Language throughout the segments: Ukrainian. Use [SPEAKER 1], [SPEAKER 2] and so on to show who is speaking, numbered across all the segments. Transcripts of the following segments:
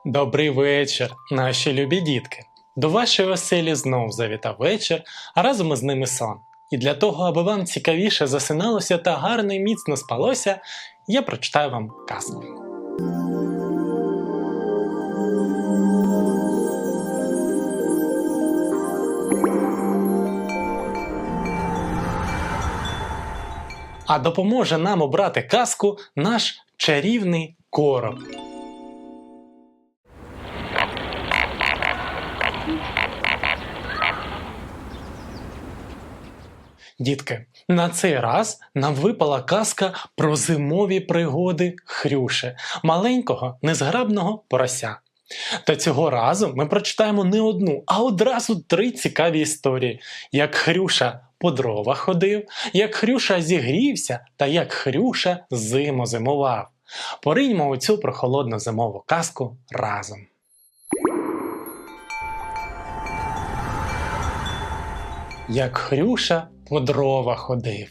[SPEAKER 1] Добрий вечір, наші любі дітки! До вашої оселі знов завітав вечір, а разом із ними сон. І для того, аби вам цікавіше засиналося та гарно і міцно спалося, я прочитаю вам казку. А допоможе нам обрати казку наш чарівний короб. Дітки, на цей раз нам випала казка про зимові пригоди Хрюші, маленького незграбного порося. Та цього разу ми прочитаємо не одну, а одразу 3 цікаві історії. Як Хрюша по дрова ходив, як Хрюша зігрівся та як Хрюша зиму зимував. Пориньмо у цю прохолодну зимову казку разом. Як Хрюша по дрова ходив.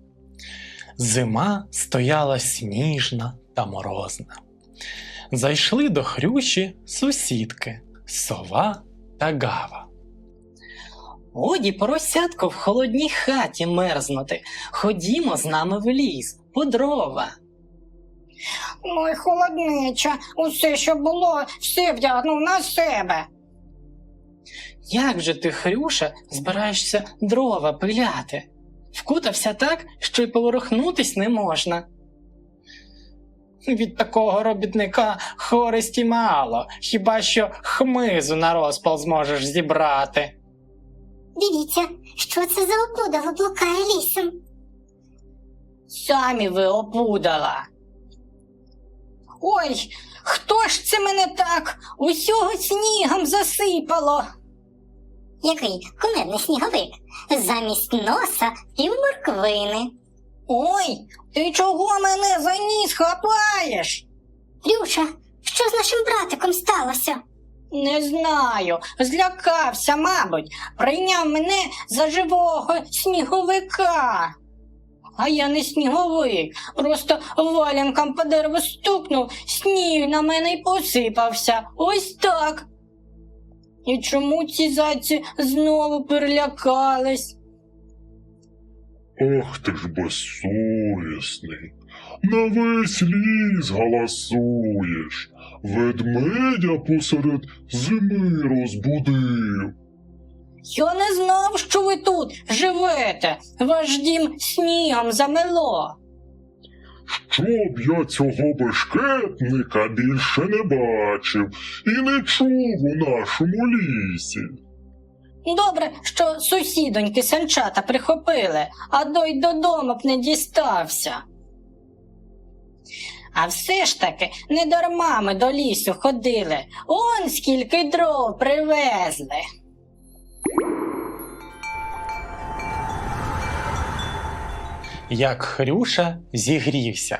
[SPEAKER 1] Зима стояла сніжна та морозна. Зайшли до Хрюші сусідки Сова та Гава.
[SPEAKER 2] Годі, поросятко, в холодній хаті мерзнути. Ходімо з нами в ліс, по дрова.
[SPEAKER 3] Ой, холоднича, усе, що було, все вдягнув на себе.
[SPEAKER 2] Як же ти, Хрюша, збираєшся дрова пиляти? Вкутався так, що й поворухнутись не можна. Від такого робітника користі мало, хіба що хмизу на розпал зможеш зібрати.
[SPEAKER 4] Дивіться, що це за опудало блукає лісом.
[SPEAKER 3] Самі ви опудала. Ой, хто ж це мене так усього снігом засипало?
[SPEAKER 4] Який кумедний сніговик. Замість носа півморквини.
[SPEAKER 3] Ой, ти чого мене за ніс хапаєш?
[SPEAKER 4] Рюша, що з нашим братиком сталося?
[SPEAKER 3] Не знаю, злякався, мабуть, прийняв мене за живого сніговика. А я не сніговик, просто валянком по дереву стукнув, сніг на мене й посипався. Ось так. І чому ці зайці знову перелякались?
[SPEAKER 5] Ох ти ж безсовісний, на весь ліс галасуєш, ведмедя посеред зими розбудив.
[SPEAKER 3] Я не знав, що ви тут живете, ваш дім снігом замело.
[SPEAKER 5] Щоб я цього бешкетника більше не бачив і не чув у нашому лісі.
[SPEAKER 3] Добре, що сусідоньки санчата прихопили, а дой додому б не дістався. А все ж таки, не дарма ми до лісу ходили, он скільки дров привезли.
[SPEAKER 1] Як Хрюша зігрівся.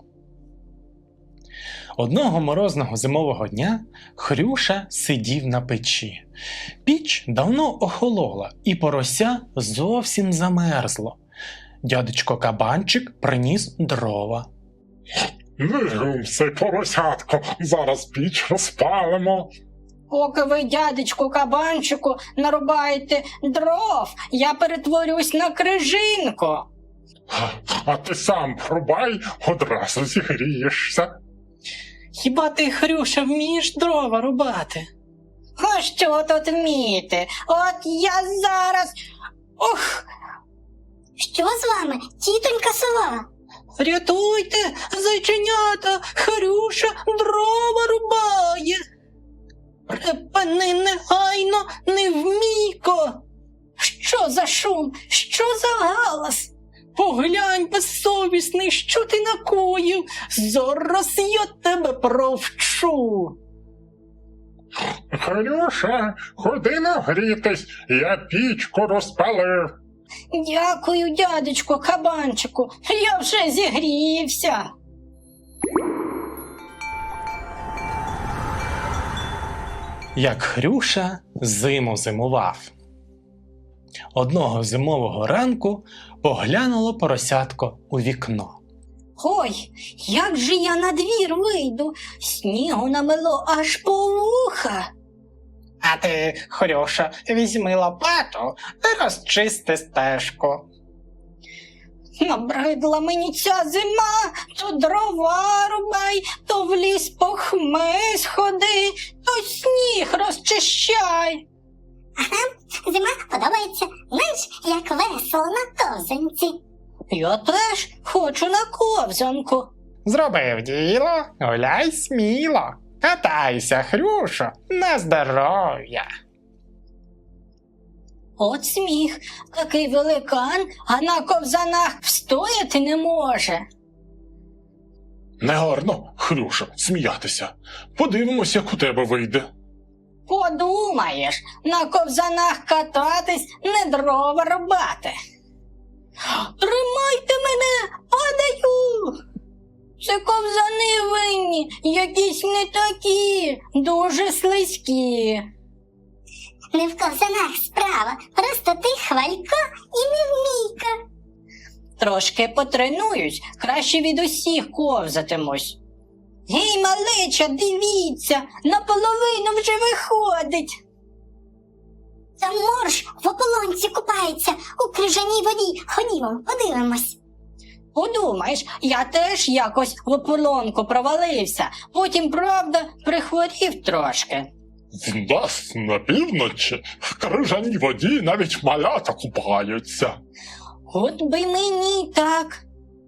[SPEAKER 1] Одного морозного зимового дня Хрюша сидів на печі. Піч давно охолола, і порося зовсім замерзло. Дядечко Кабанчик приніс дрова.
[SPEAKER 5] Вигумся, поросятко, зараз піч розпалимо.
[SPEAKER 3] Поки ви, дядечку Кабанчику, нарубаєте дров, я перетворюсь на крижинку.
[SPEAKER 5] А ти сам рубай, одразу зігрієшся.
[SPEAKER 2] Хіба ти, Хрюша, вмієш дрова рубати?
[SPEAKER 3] А що тут вмієте? От я зараз... Ох!
[SPEAKER 4] Що з вами, тітонька Сова?
[SPEAKER 2] Рятуйте, зайченята, Хрюша дрова рубає. Припини негайно, невмійко.
[SPEAKER 3] Що за шум? Що за галас?
[SPEAKER 2] Поглянь, безсовісний, що ти накоїв, зараз я тебе провчу.
[SPEAKER 5] Хрюша, ходи нагрітись, я пічку розпалив.
[SPEAKER 3] Дякую, дядечку Кабанчику, я вже зігрівся.
[SPEAKER 1] Як Хрюша зиму зимував. Одного зимового ранку поглянуло поросятко у вікно.
[SPEAKER 3] Ой, як же я на двір вийду? Снігу намело аж по вуха.
[SPEAKER 2] А ти, Хрюша, візьми лопату і розчисти стежку.
[SPEAKER 3] Набридла мені ця зима, то дрова рубай, то в ліс по хмиз ходи, то сніг розчищай.
[SPEAKER 4] Зима подобається, знаєш, як весело на ковзанці.
[SPEAKER 3] Я теж хочу на ковзанку.
[SPEAKER 2] Зробив діло, гуляй сміло. Катайся, Хрюшо, на здоров'я.
[SPEAKER 3] От сміх, такий великан, а на ковзанах встояти не може.
[SPEAKER 5] Негарно, Хрюша, сміятися. Подивимось, як у тебе вийде.
[SPEAKER 3] Подумаєш, на ковзанах кататись, не дрова рубати. Тримайте мене, падаю! Це ковзани винні, якісь не такі, дуже слизькі.
[SPEAKER 4] Не в ковзанах справа, просто ти хвалько і невмійка.
[SPEAKER 3] Трошки потренуюсь, краще від усіх ковзатимусь. Гей, малеча, дивіться, наполовину вже виходить.
[SPEAKER 4] Та морж в ополонці купається у крижаній воді. Ходімо, подивимось.
[SPEAKER 3] Подумаєш, я теж якось в ополонку провалився, потім, правда, прихворів трошки.
[SPEAKER 5] В нас на півночі в крижаній воді навіть малята купаються.
[SPEAKER 3] От би мені так.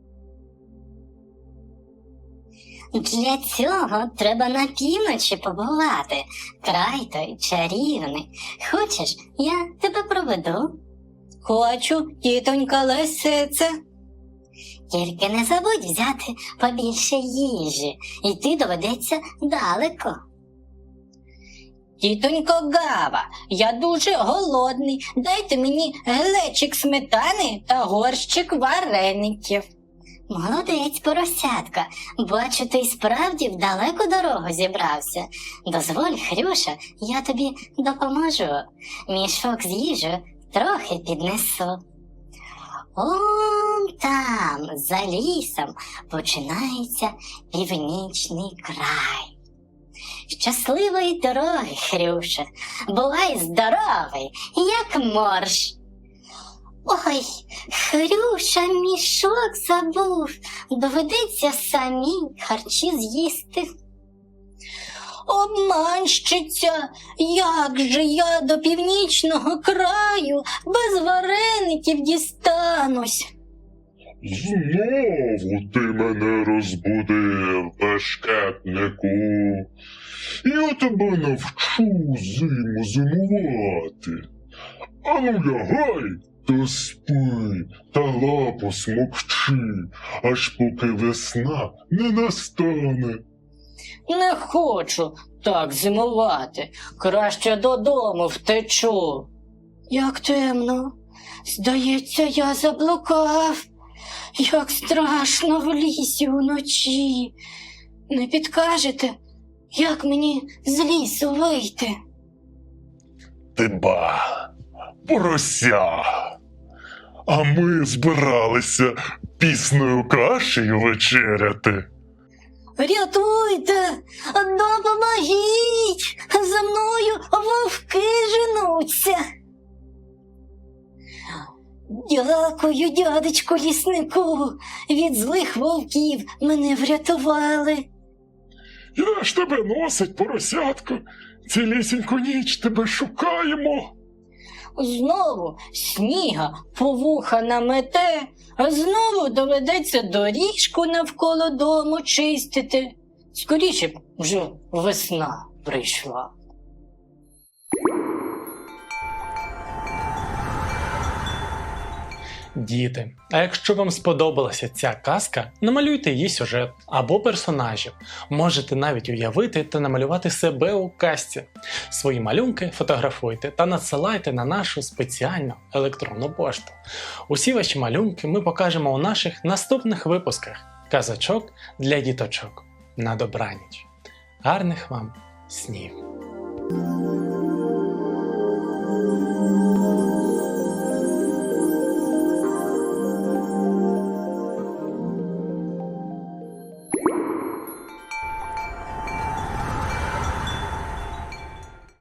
[SPEAKER 4] Для цього треба на півночі побувати. Край той чарівний. Хочеш, я тебе проведу?
[SPEAKER 3] Хочу, тітонька Лисице.
[SPEAKER 4] Тільки не забудь взяти побільше їжі. Йти доведеться далеко.
[SPEAKER 3] Тітонько Гава, я дуже голодний. Дайте мені глечик сметани та горщик вареників.
[SPEAKER 4] Молодець, поросятка. Бачу, ти й справді в далеку дорогу зібрався. Дозволь, Хрюша, я тобі допоможу. Мішок з їжею трохи піднесу. Он там, за лісом, починається північний край. Щасливої дороги, Хрюша. Бувай здоровий, як морж. Ой, Хрюша мішок забув. Доведеться самій харчі з'їсти.
[SPEAKER 3] Обманщиця, як же я до північного краю без вареників дістанусь?
[SPEAKER 5] Знову ти мене розбудив, бешкетнику. Я тебе навчу зиму зимувати. Ану лягай та спи, та лапу смокчи, аж поки весна не настане.
[SPEAKER 3] Не хочу так зимувати, краще додому втечу. Як темно, здається, я заблукав. Як страшно в лісі уночі. Не підкажете, як мені з лісу вийти?
[SPEAKER 5] Ти ба, порося. А ми збиралися пісною кашею вечеряти.
[SPEAKER 3] Рятуйте, допомогіть, за мною вовки женуться. Дякую, дядечку ліснику, від злих вовків мене врятували.
[SPEAKER 5] Я ж тебе носить, поросятко. Цілісіньку ніч тебе шукаємо.
[SPEAKER 3] Знову сніга по вуха намете, а знову доведеться доріжку навколо дому чистити. Скоріше б вже весна прийшла.
[SPEAKER 1] Діти, а якщо вам сподобалася ця казка, намалюйте її сюжет або персонажів. Можете навіть уявити та намалювати себе у казці. Свої малюнки фотографуйте та надсилайте на нашу спеціальну електронну пошту. Усі ваші малюнки ми покажемо у наших наступних випусках казочок для діточок. На добраніч. Гарних вам снів!